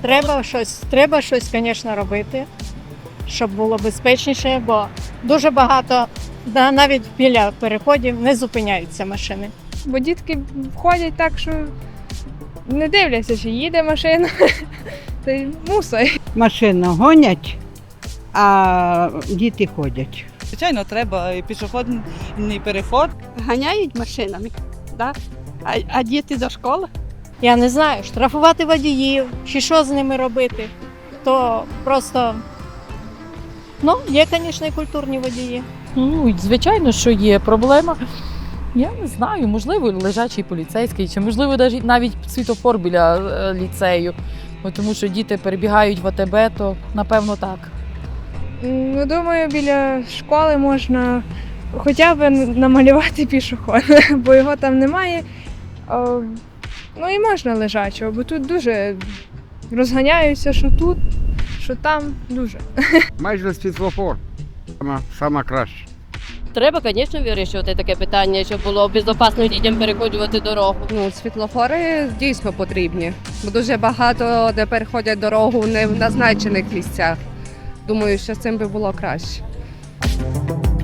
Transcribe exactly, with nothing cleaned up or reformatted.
Треба щось, треба щось, звісно, робити, щоб було безпечніше, бо дуже багато, да, навіть біля переходів не зупиняються машини. Бо дітки ходять так, що не дивляться, чи їде машина, та й мусить. Машину гонять, а діти ходять. Звичайно, треба і пішохідний переход. Ганяють машинами, да? а, а діти до школи. Я не знаю, штрафувати водіїв чи що з ними робити, то просто, ну, є, звісно, і культурні водії. Ну, звичайно, що є проблема. Я не знаю, можливо, лежачий поліцейський, чи можливо навіть навіть світофор біля е, ліцею. Бо тому що діти перебігають в АТБ, то напевно так. Ну, думаю, біля школи можна хоча б намалювати пішохід, бо його там немає. О, ну і можна лежачого, бо тут дуже розганяються, що тут, що там, дуже. Майже світлофор. Сама, сама краще. Треба, звісно, вирішувати таке питання, щоб було безпечно дітям переходжувати дорогу. Ну, світлофори дійсно потрібні, бо дуже багато де переходять дорогу не в назначених місцях. Думаю, що з цим би було краще.